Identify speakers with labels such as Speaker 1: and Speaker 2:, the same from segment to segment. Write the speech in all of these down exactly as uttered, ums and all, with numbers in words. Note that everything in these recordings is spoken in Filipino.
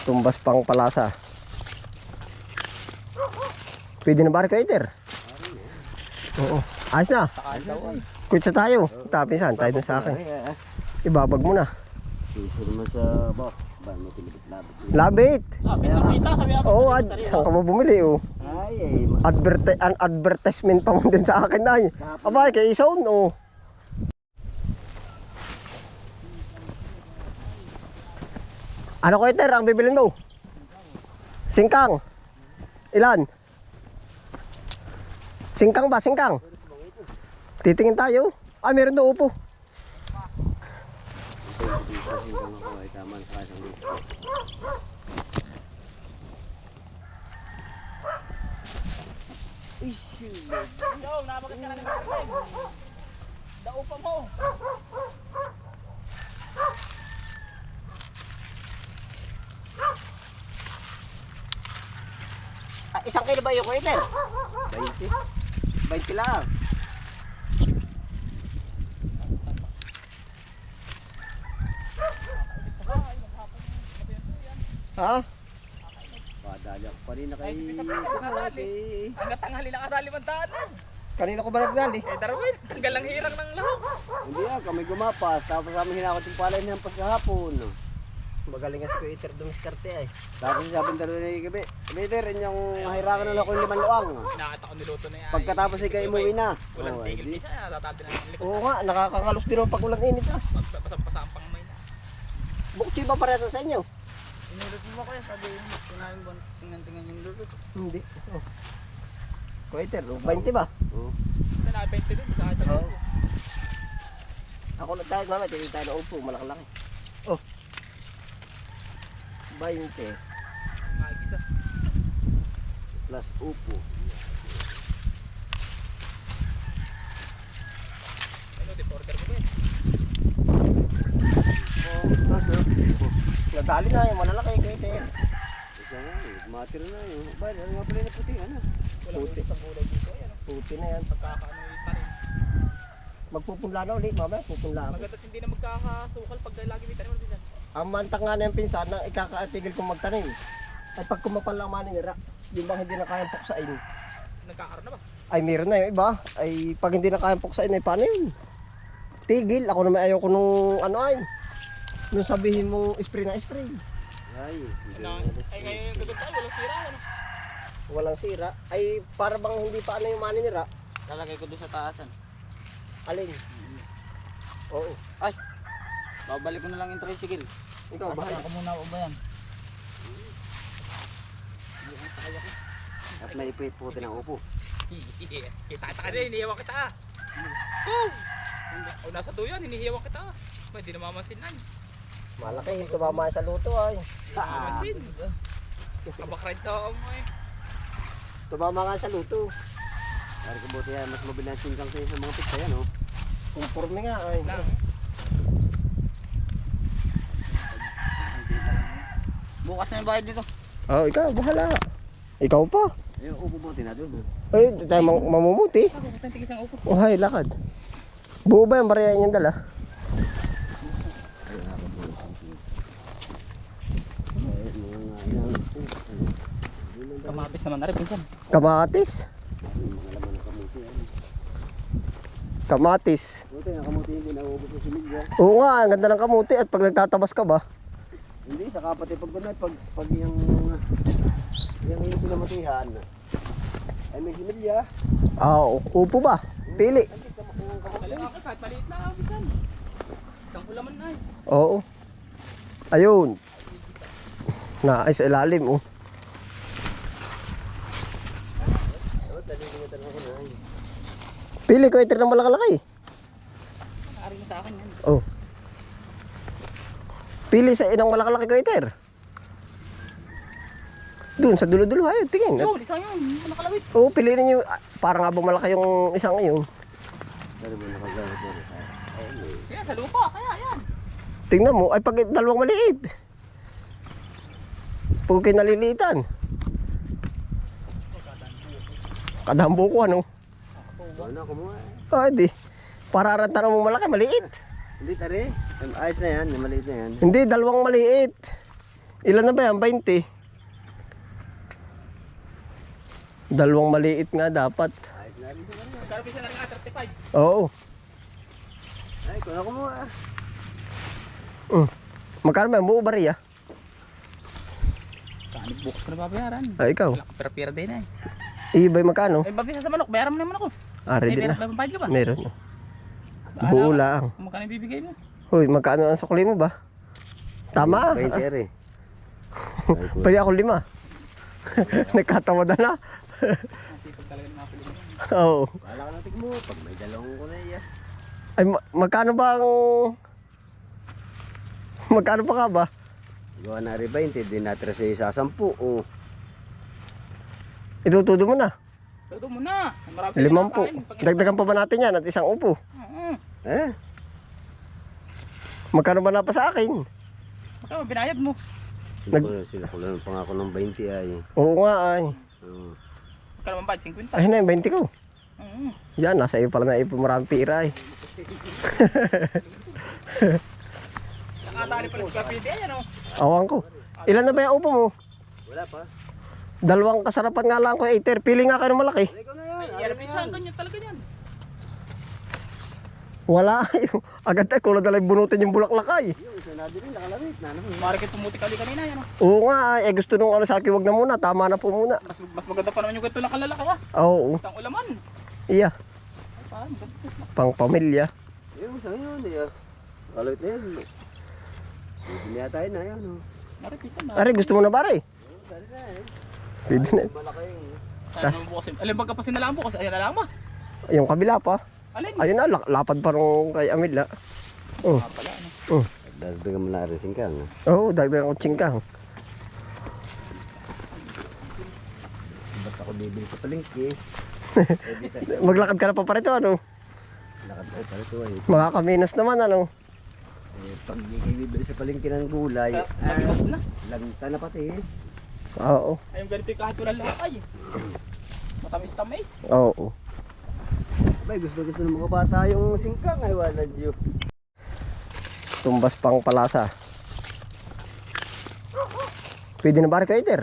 Speaker 1: Tumbas pang palasa. Pwede na ba Kaiter? Oo. Ayos na. Kutsa tayo. Tapisan tayo dun sa akin. Ibabag mo na.
Speaker 2: Piso naman sa bak. Ba, may pinibit-labit.
Speaker 1: Labit.
Speaker 3: Labit na pita, sabi ako.
Speaker 1: Oo, ad, saan ka ba bumili oh?
Speaker 2: Ay, ay.
Speaker 1: Adverte an advertisement pa mo din sa akin na. Abay, kay Isaon oh. Ano Kaiter ang bibilin mo? Singkang. Ilan? Singkang ba? Singkang? Titingin tayo. Ah, meron na upo.
Speaker 3: Yo, nabagat ka na naman. Dao pa mo.
Speaker 1: Ah, isang kilo ba yung Kaiter?
Speaker 2: twenty.
Speaker 1: twenty lang. Ha?
Speaker 2: Padali ako pa rin na kay...
Speaker 3: Ay, si Pisap ka nakadali. Hanggang tanghali nakadali man daanan.
Speaker 1: Kanina ko ba nagdali?
Speaker 3: Eh, Darwin, hanggang lang hirang ng lahok.
Speaker 2: Hindi ah, kami gumapas. Tapos kami hinakot yung palay ng pagkahapon.
Speaker 1: Magaling nga si Kaiter dumiskarte ay.
Speaker 2: Tapos sabi ng dalawa ni Gabi, Peter, yung hahirangan na ako yung limang luang.
Speaker 3: Nakita ko niluto na yan.
Speaker 2: Pagkatapos ikaw umuwi na.
Speaker 3: Walang
Speaker 2: Oh,
Speaker 3: tigil
Speaker 2: di.
Speaker 3: isa, natatati na ng likod.
Speaker 1: Oo nga, nakakangalos din ang pag ulang init ah.
Speaker 3: Pasang-pasa ang pangmay na.
Speaker 1: Bukti ba parehas sa inyo?
Speaker 3: Inulot mo ko yan, sabi yung kinain ba, tingnan-tingnan yung luto.
Speaker 1: Hindi. Oh. Kaiter, oh, twenty ba?
Speaker 2: Oh.
Speaker 3: Ito na, twenty din, sa sa
Speaker 1: Oo.
Speaker 3: luto.
Speaker 1: Ako na tayo naman, tingin tayo na upo, malaki-laki. Oh. twenty.
Speaker 3: Makikisa.
Speaker 2: Plus upo.
Speaker 3: Ano, deporter mo ba yun?
Speaker 1: Oh, plus oh. Nadali na yung malalaki, Kaiter.
Speaker 2: Isa nga eh, matira na yun. Ba, ano nga pala yung puti, ano?
Speaker 3: Walang
Speaker 1: Puti.
Speaker 3: ulit sa gulay dito. Ayan, oh.
Speaker 1: Puti na yan.
Speaker 3: Pagkakaano yung tanim.
Speaker 1: Magpupunla na ulit, mamaya pupunla ako.
Speaker 3: Maganda hindi na magkakasukal pag lagi may tanim ulit dyan.
Speaker 1: Ang mantak nga na yung pinsan na ikakaatigil kong magtanim. Ay pag kumapal lang maninira, yung bang hindi na kayang puksain.
Speaker 3: Nagkakaroon na ba?
Speaker 1: Ay meron na yung iba. Ay pag hindi na kayang puksain, ay paano yun? Tigil. Ako naman ayoko nung ano ay. Nung sabihin mong spray na spray.
Speaker 2: Ay, hindi
Speaker 3: Na,
Speaker 2: na.
Speaker 3: ay ngayon yung gagawin tayo, walang sira. Ano?
Speaker 1: Walang sira. Ay para bang hindi pa ano yung maninira.
Speaker 3: Lalagay ko doon sa taasan.
Speaker 1: Alin? Oo.
Speaker 3: Ay! Babalik ko na lang yung tricycle.
Speaker 1: Ikaw bahala.
Speaker 3: Ako muna ako ba yan?
Speaker 2: At may ipit puti ng upo.
Speaker 3: Kita-kita ka din, hinihiwa kita. Boom! O nasa duyan, hinihiwa kita. Hindi na mamasinan.
Speaker 1: Malaki. Tumama sa luto ay.
Speaker 3: Mamasin. Kabakrad to mo eh.
Speaker 1: Tumama nga sa luto.
Speaker 2: Pare ka buti yan, mas mabilang singkang sa'yo sa mga pizza yan, oh.
Speaker 1: Conforme nga ay.
Speaker 3: Lang. Bukas na yung bayad dito.
Speaker 1: Oh, ikaw bahala. Ikaw pa.
Speaker 2: Yung upo buti na doon, oh.
Speaker 1: Ay, tayo mam mamumuti.
Speaker 3: Ako, kung tigis ang upo.
Speaker 1: Oh, hay, lakad. Buo ba yung bariya niyang dala?
Speaker 2: Ay, nakakabuo. Ay, mga nga yan.
Speaker 3: Kamatis naman na rin, pinsan.
Speaker 1: Kamatis.
Speaker 2: Ay, mga laman ng kamuti, yan.
Speaker 1: Kamatis.
Speaker 2: Buti, ang kamuti hindi nauubos sa similya.
Speaker 1: Oo nga, ang ganda ng kamuti at pag nagtatabas ka ba?
Speaker 2: Hindi, sa kapatid pag kunay, pag, pag yung, yung yung pinamutihan, ay may similya.
Speaker 1: Ah, oo. Upo ba? Pili.
Speaker 3: Kaya ako, kahit maliit na, pinsan. Isang ulaman na eh.
Speaker 1: Oo. Ayun. Na, ay sa ilalim, oh.
Speaker 2: Oh, dali nga talaga ko na. ay.
Speaker 1: Pili ko ito ng malakalaki.
Speaker 3: Nakari mo sa akin yan.
Speaker 1: Oh. Pili sa inang malakalaki ko iter. Doon sa dulo-dulo, ayun, tingin.
Speaker 3: Yun, isang yun. Nakalawit.
Speaker 1: Oo, piliin niyo. Ah, parang nga ba malaki yung isang yun.
Speaker 2: Dali mo nakagamit mo. Ayun, eh.
Speaker 3: Yan, sa lupa. Kaya yan.
Speaker 1: Tingnan mo, ay pag dalawang maliit. Pag kayo nalilitan. Kadambo ko ano.
Speaker 2: Ano, kumuha.
Speaker 1: Ah, di. Pararantan mo malaki, maliit.
Speaker 2: Hindi, tari. Ayos na yan, maliit na yan.
Speaker 1: Hindi, dalawang maliit. Ilan na ba yan? twenty? Dalawang maliit nga dapat.
Speaker 2: Ayos na rin sa kanila.
Speaker 3: Magkano pisa na rin nga, thirty-five.
Speaker 1: Oo.
Speaker 2: Ay, kung ako mo ah.
Speaker 1: Mm. Magkano ba yan? Buo bari ah?
Speaker 3: Kanig bukas ko na babayaran.
Speaker 1: Ah, ikaw.
Speaker 3: Pera-pera din eh.
Speaker 1: Ibay magkano?
Speaker 3: Ay, babisa sa manok, bayaran mo naman ako.
Speaker 1: Ah, ready
Speaker 3: May
Speaker 1: na.
Speaker 3: pera bayad ka ba?
Speaker 1: Meron.
Speaker 3: Bahala
Speaker 1: Buo
Speaker 3: ka.
Speaker 1: lang.
Speaker 3: Kung magkano ibibigay mo?
Speaker 1: Hoy, magkano ang sukli mo ba? Tama ah.
Speaker 2: twenty ere.
Speaker 1: Pwede ako lima. Nagkatawa na na.
Speaker 3: Nasipag talaga ng mga pili mo.
Speaker 1: Oo.
Speaker 2: Wala ka natin mo. Pag may dalawang ko na iya.
Speaker 1: Ay, ma- magkano ba ang... Magkano pa ka ba?
Speaker 2: Gawa na rin twenty. Di natira sa isa sampu. Oh.
Speaker 1: Itutudo mo na.
Speaker 3: Todo mo na. Marami
Speaker 1: Limang po.
Speaker 3: kinakain. Pag-
Speaker 1: Dagdagan pa ba natin yan at isang upo?
Speaker 3: Oo.
Speaker 2: Eh?
Speaker 1: Magkano ba na pa sa akin?
Speaker 3: Magkano binayad mo?
Speaker 1: Nag-
Speaker 2: Nag... Sila ko lang pangako ng twenty ay.
Speaker 1: Oo nga ay.
Speaker 2: Oh.
Speaker 3: Magkano man bayad? fifty?
Speaker 1: Ay na yung twenty ko.
Speaker 3: Oo.
Speaker 1: Yan, nasa iyo pala na ipon maraming pira ay.
Speaker 3: Nakatali pala sa kapite yan o.
Speaker 1: Awang ko. Ilan na ba yung upo mo?
Speaker 2: Wala pa.
Speaker 1: Dalawang kasarapan nga lang ko, Eiter. Pili nga kayo ng malaki.
Speaker 2: Ay, ikaw na yan.
Speaker 3: Ay,
Speaker 2: Ano
Speaker 3: yan
Speaker 2: na
Speaker 3: pisa
Speaker 2: yan?
Speaker 3: ganyan talaga yan.
Speaker 1: Wala. Agad ay kulad na lang bunutin yung bulaklak ay.
Speaker 2: Yung isa na din nakalamit na. Ano?
Speaker 3: Marikit pumuti kali kanina yan o.
Speaker 1: Oo nga ay. Eh, gusto nung ano sa akin, wag na muna. Tama na po muna.
Speaker 3: Mas, mas maganda pa naman yung ganito lang kalalaki ah.
Speaker 1: Oo.
Speaker 3: Itang ulaman.
Speaker 1: Iya.
Speaker 3: Ay, parang maganda.
Speaker 1: Pang pamilya.
Speaker 2: Yung sa yun. Iya. Kalamit na yan. Bibili na tayo na yan. Oh.
Speaker 3: Marikit pisa na.
Speaker 1: Ari, gusto mo na pare?
Speaker 2: Dali na eh.
Speaker 1: Pwede na.
Speaker 2: Malaki yung...
Speaker 3: Ano naman bukas yun? Alin baga pa sinalaan bukas? Ayan na lang ba?
Speaker 1: Yung kabila pa.
Speaker 3: Alin?
Speaker 1: Ayun na, lak- lapad pa rin kay Amila. Oh.
Speaker 3: Ah, pala ano.
Speaker 2: Dagdagan mo na rin singkang.
Speaker 1: Oo, oh, dagdagan ko tsingkang.
Speaker 2: Ba't ako bibili sa palengke?
Speaker 1: Maglakad ka na pa pa rito, ano?
Speaker 2: Lakad tayo para ito ay.
Speaker 1: Makakaminos naman, ano?
Speaker 2: Eh, pag di kayo bibili sa palengke ng gulay,
Speaker 3: Ah,
Speaker 2: ah,
Speaker 3: Nabigas na.
Speaker 2: lagta na pati eh.
Speaker 1: Oo.
Speaker 3: Ay, yung ganito yung kahit walang lahat ay. Matamis-tamis.
Speaker 1: Oo.
Speaker 2: Abay, gusto gusto ng mga bata yung singkang ay wala diyo.
Speaker 1: Tumbas pang palasa. Pwede na ba rin, Eiter?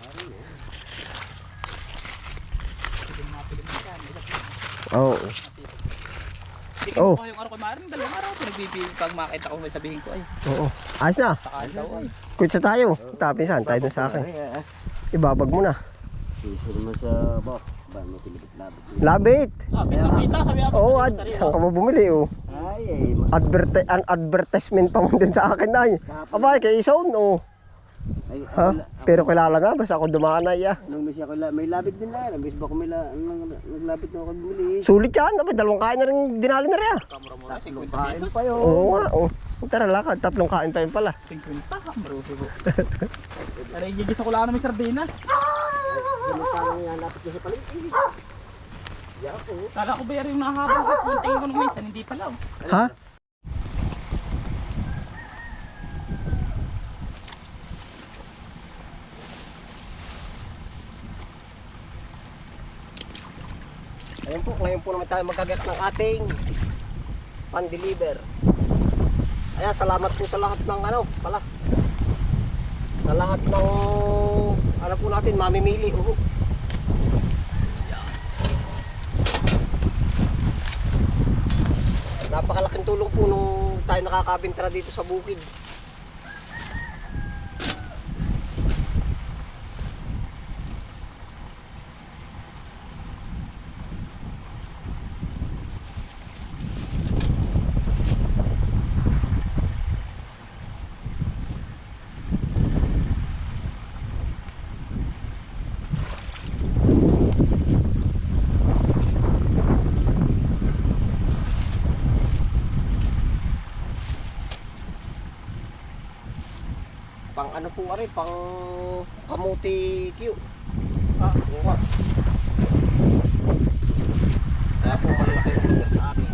Speaker 1: Oo.
Speaker 3: Hindi
Speaker 1: Oh.
Speaker 3: ko yung araw ko maaaring dalawang araw. Pinagbibig pag makita ko may sabihin ko ay.
Speaker 1: Oo. Ayos na.
Speaker 3: Saka daw ay.
Speaker 1: Kutsa tayo. Tapisan tayo dun sa akin.
Speaker 2: Ay, ah, ah.
Speaker 1: Ibabag mo na.
Speaker 2: Piso naman sa ba? Ba, may pilipit-labit.
Speaker 1: Labit.
Speaker 3: Ah, pita-pita sabi ako.
Speaker 1: Oo,
Speaker 3: sa
Speaker 1: ad,
Speaker 3: sarili.
Speaker 1: saan ka ba bumili, oh?
Speaker 2: Ay, ay. ma-
Speaker 1: Adverte an advertisement pa mo din sa akin na. Abay, kay Ison, oh.
Speaker 2: Ay,
Speaker 1: Ha?
Speaker 2: ako la-
Speaker 1: Pero kilala na, basta ako dumaan na iya.
Speaker 2: Nung bis ako la- may labit din na. Nung bis ba ko may la- nang- naglabit na ako bumili.
Speaker 1: Sulit yan, abay, dalawang kain na rin dinali na rin.
Speaker 3: Kamura-mura,
Speaker 2: Tatlong
Speaker 3: fifty
Speaker 2: kain
Speaker 3: pesos.
Speaker 2: pa yun.
Speaker 1: Oo nga, oh. Tara, lakad. Tatlong kain pa yun pala.
Speaker 3: fifty, maruso ko. Ano, igigis ako lang ng sardinas.
Speaker 2: Ganun pa lang yan, lapit na sa palengke. Di ako.
Speaker 3: Kala ko ba yan yung nahabang ko? Yung tingin ko nung minsan, hindi pala oh.
Speaker 1: Ha? Ayun po, ngayon po naman tayo magagat ng ating pan-deliver. Kaya salamat po sa lahat ng ano, pala. Sa lahat ng ano po natin, mamimili. Uhu. Napakalaking tulong po nung tayo nakakabintara dito sa bukid. Pang ano po ari, pang kamuti Q. Ah, buka. Kaya po malaki yung order sa atin.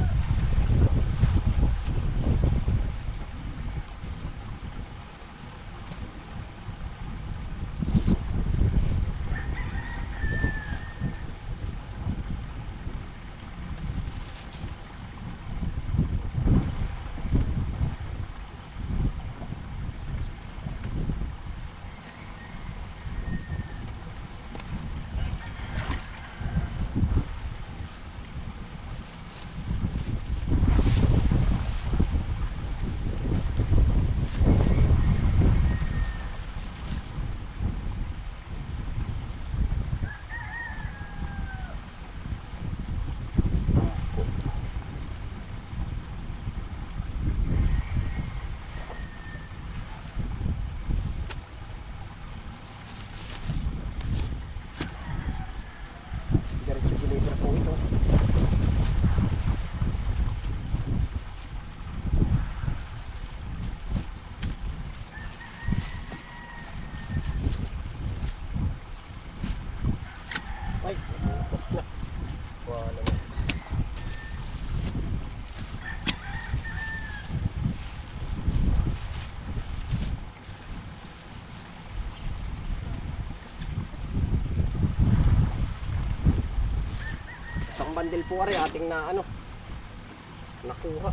Speaker 1: bandil po ari ating na ano nakuha.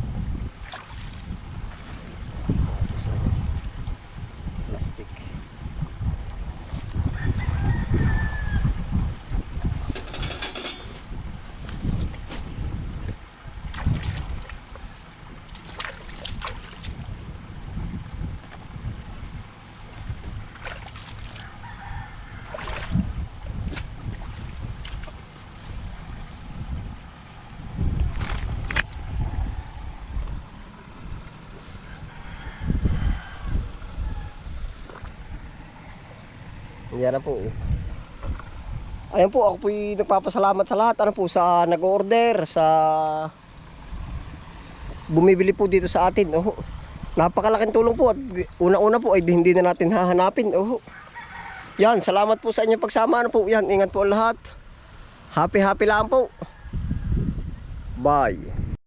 Speaker 1: Plastic. Yan na po. Ayan po, ako po'y nagpapasalamat sa lahat. Ano po, sa nag-order, sa bumibili po dito sa atin. Oh, napakalaking tulong po. At una-una po ay hindi na natin hahanapin. Oh, yan, salamat po sa inyong pagsama. Ano po, yan, ingat po ang lahat. Happy happy lang po. Bye.